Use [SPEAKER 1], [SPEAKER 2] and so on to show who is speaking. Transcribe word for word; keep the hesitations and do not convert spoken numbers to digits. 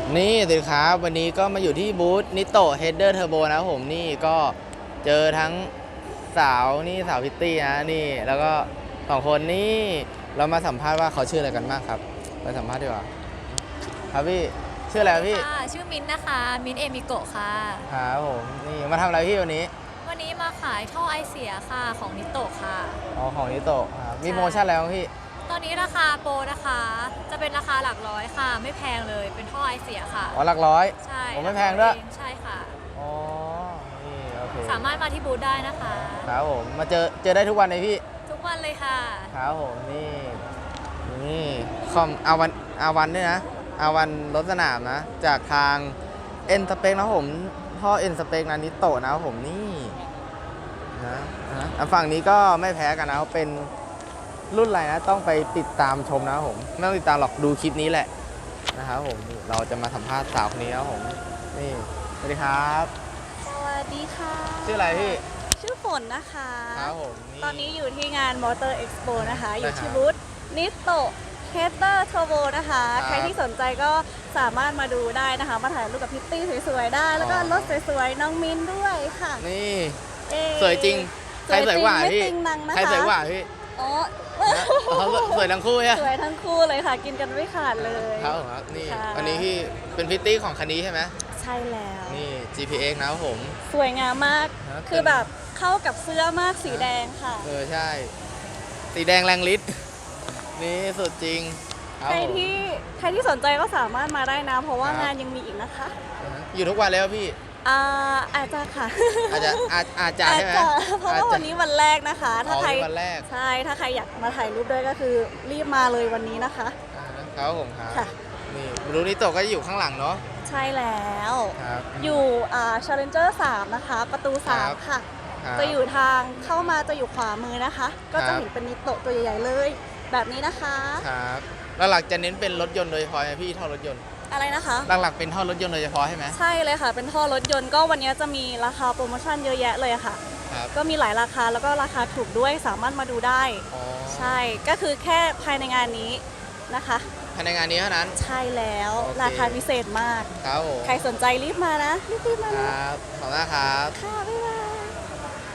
[SPEAKER 1] นี่สิครับวันนี้ก็มาอยู่ที่บูธนิโตเฮดเดอร์เทอร์โบนะครับผมนี่ก็เจอทั้งสาวนี่สาวพิตตี้นะนี่แล้วก็สองคนนี่เรามาสัมภาษณ์ว่าเขาชื่ออะไรกันบ้างครับไปสัมภาษณ์ดีกว่าครับพี่ชื่ออะไรครับพี่
[SPEAKER 2] ค่ะชื่อมิ้นท์นะคะมิ้นท์เอมิโกะค่ะ
[SPEAKER 1] ครับผมนี่มาทำอะไรพี่วันนี้
[SPEAKER 2] วันนี้มาขายท่อไอเสียค่ะของนิโตะค่ะ
[SPEAKER 1] อ๋อของนิโตครับมีโปรโมชั่นอะไรบ้างพี่
[SPEAKER 2] ตอนนี้ราคาโปรนะคะจะเป็นราคาหลักร้อยค่ะไม่แพงเลยเป็นท่อไอเสียค่ะ
[SPEAKER 1] อ๋อหลักร้อย
[SPEAKER 2] ใช่
[SPEAKER 1] ผมไม่แพงด้วย
[SPEAKER 2] ใช่ค่ะ
[SPEAKER 1] อ๋อนี่โอเค
[SPEAKER 2] สามารถมาที่บูธได้นะคะ
[SPEAKER 1] ครับผมมาเจอเจอได้ทุกวันเลยพี่
[SPEAKER 2] ทุกวันเลยค่ะ
[SPEAKER 1] ครับผมนี่นี่คอมอาวันอาวันด้วยนะอาวันรถสนามนะจากทางเอ็นสเปกนะผมท่อเอ็นสเปกนะนิโตะนะผมนี่นะนะฝั่งนี้ก็ไม่แพ้กันนะเป็นรุ่นอะไรนะต้องไปติดตามชมนะครับผมไม่ต้องติดตามหรอกดูคลิปนี้แหละนะครับผมเราจะมาสัมภาษณ์สาวคนนี้นะครับผมนี่สวัสดีครับ
[SPEAKER 3] สวัสดีค่ะ
[SPEAKER 1] ชื่ออะไรพี่
[SPEAKER 3] ชื่อฝนนะคะ
[SPEAKER 1] ครับผม
[SPEAKER 3] ตอนนี้อยู่ที่งาน Motor Expo นะคะอยู่ที่
[SPEAKER 1] ครับ
[SPEAKER 3] บูธนิโตเฮเตอร์เทอร์โบนะคะ
[SPEAKER 1] ครับ
[SPEAKER 3] ใครที่สนใจก็สามารถมาดูได้นะคะมาถ่ายรูปกับพิตตี้สวยๆได้ แล้วก็
[SPEAKER 1] อ๋อ
[SPEAKER 3] รถสวยๆน้องมินด้วยค่ะ
[SPEAKER 1] นี่
[SPEAKER 3] เอ่
[SPEAKER 1] สวยจริงใครสวยกว่า
[SPEAKER 3] ไม่
[SPEAKER 1] พี่
[SPEAKER 3] ติงนังนะคะ
[SPEAKER 1] ใครสวยกว่าพี่
[SPEAKER 3] อ๋อ
[SPEAKER 1] นะเขาสวยทั้งคู่ใช่ไหม
[SPEAKER 3] สวยทั้งคู่เลยค่ะกินกันไม่ขาดเลย
[SPEAKER 1] ครับผมครับนี่
[SPEAKER 3] ค่ะ
[SPEAKER 1] วันนี้พี่เป็นพิตตี้ของคันนี้ใช่ไหม
[SPEAKER 3] ใช่แล้ว
[SPEAKER 1] นี่ จี พี เอ็กซ์ นะครับผม
[SPEAKER 3] สวยงามมาก
[SPEAKER 1] ฮะ
[SPEAKER 3] คือแบบเข้ากับเสื้อมากสีแดงค่ะ
[SPEAKER 1] เออใช่ สีแดงแรงฤทธิ์นี่สุดจริงครั
[SPEAKER 3] ใค
[SPEAKER 1] บ
[SPEAKER 3] ร
[SPEAKER 1] ผม
[SPEAKER 3] ที่ใครที่สนใจก็สามารถมาได้นะ เพราะว่า
[SPEAKER 1] ครับ
[SPEAKER 3] งานยังมีอีกนะคะ
[SPEAKER 1] อ่าฮะอยู่ทุกวันแล้วพี่
[SPEAKER 3] อ่าอาจจะค่ะ
[SPEAKER 1] อาจจะอาจอาจจะ
[SPEAKER 3] อาจ
[SPEAKER 1] ใช่ไหม
[SPEAKER 3] จะเพราะว่าวันนี้วันแรกนะคะ ถ้า
[SPEAKER 1] อ๋อ
[SPEAKER 3] ใคร
[SPEAKER 1] วันแรก
[SPEAKER 3] ใช่ถ้าใครอยากมาถ่ายรูปด้วยก็คือรีบมาเลยวันนี้นะคะ
[SPEAKER 1] อ่าฮะครับผมครับ
[SPEAKER 3] ค่ะ
[SPEAKER 1] นี่รูนิโตะก็อยู่ข้างหลังเนาะ
[SPEAKER 3] ใช่แล้ว
[SPEAKER 1] ครับ
[SPEAKER 3] อยู่อ่า Challenger สามนะคะ ประตู
[SPEAKER 1] ครั
[SPEAKER 3] สาม
[SPEAKER 1] บ
[SPEAKER 3] ค่ะ
[SPEAKER 1] ครับ
[SPEAKER 3] จะอยู่ทางเข้ามาจะอยู่ขวามือนะคะ ก็
[SPEAKER 1] ครั
[SPEAKER 3] จะ
[SPEAKER 1] บ
[SPEAKER 3] เห็นเป็นนิโตะตัวใหญ่ๆเลย แบบนี้นะคะ
[SPEAKER 1] ครับแล้วหลักจะเน้นเป็นรถยนต์โดยเฉพาะไหมพี่ท่อรถยนต์
[SPEAKER 3] อะไรนะคะ
[SPEAKER 1] หลักๆเป็นท่อรถยนต์โดยเฉพาะใช่ไหม
[SPEAKER 3] ใช่เลยค่ะ เป็นท่อรถยนต์ก็วันนี้จะมีราคาโปรโมชั่นเยอะแยะเลยอะค่ะ
[SPEAKER 1] ครับ
[SPEAKER 3] ก็มีหลายราคาแล้วก็ราคาถูกด้วยสามารถมาดูได้
[SPEAKER 1] อ๋อ
[SPEAKER 3] ใช่ก็คือแค่ภายในงานนี้นะคะ
[SPEAKER 1] ภายในงานนี้เท่านั้น
[SPEAKER 3] ใช่แล้ว
[SPEAKER 1] โอเค
[SPEAKER 3] ราคาพิเศษมาก
[SPEAKER 1] ครับผม
[SPEAKER 3] ใครสนใจรีบมานะรีบๆมา
[SPEAKER 1] ค
[SPEAKER 3] นะ
[SPEAKER 1] รับขอบคุณมากครับ
[SPEAKER 3] ค่ะบ๊ายบาย